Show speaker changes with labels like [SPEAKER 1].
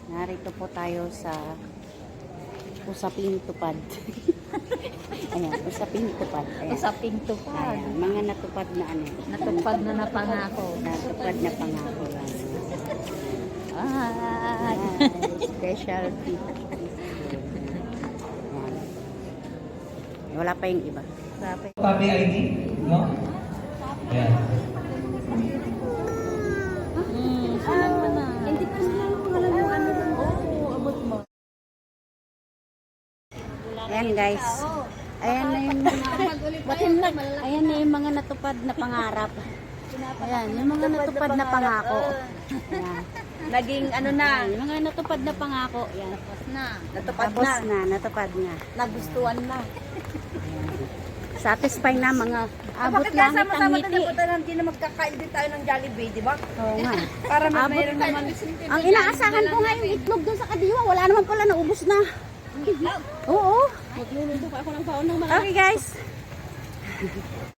[SPEAKER 1] Narito po tayo sa Usaping Tupad. Ayan, Usaping Tupad. Ayan.
[SPEAKER 2] Usaping tupad.
[SPEAKER 1] Ayan, mga natupad na ano.
[SPEAKER 2] Natupad na napangako.
[SPEAKER 1] Natupad na pangako.
[SPEAKER 2] Ay.
[SPEAKER 1] Specialty. Ayan. Wala pa yung iba.
[SPEAKER 2] Sabi.
[SPEAKER 3] Family ID, no? Ayan.
[SPEAKER 2] Alam mo na. Hindi pa sila pangalan yung ano doon. Oo, abot mo.
[SPEAKER 1] Ayan guys. Ayan na yung ayan na yung mga natupad na pangarap. Ayan, yung mga natupad na pangako. Ayan.
[SPEAKER 2] Naging ano na.
[SPEAKER 1] Ayan, yung mga natupad na pangako. Ayan.
[SPEAKER 2] Tapos na.
[SPEAKER 1] Tapos na, natupad na.
[SPEAKER 2] Nagustuhan na.
[SPEAKER 1] Satisfy na mga abot
[SPEAKER 2] Bakit
[SPEAKER 1] langit ang
[SPEAKER 2] sama-sama
[SPEAKER 1] ngiti.
[SPEAKER 2] tayo na hindi na magkakain din tayo ng Jollibee, di ba?
[SPEAKER 1] Oo nga.
[SPEAKER 2] Para
[SPEAKER 1] Abot
[SPEAKER 2] mayroon
[SPEAKER 1] tayo.
[SPEAKER 2] naman.
[SPEAKER 1] Ang inaasahan ko nga yung itlog doon sa kadiwa. Wala naman pala, naubos na. Oo.
[SPEAKER 2] Magluluto pa ako ng baon ng
[SPEAKER 1] Okay guys.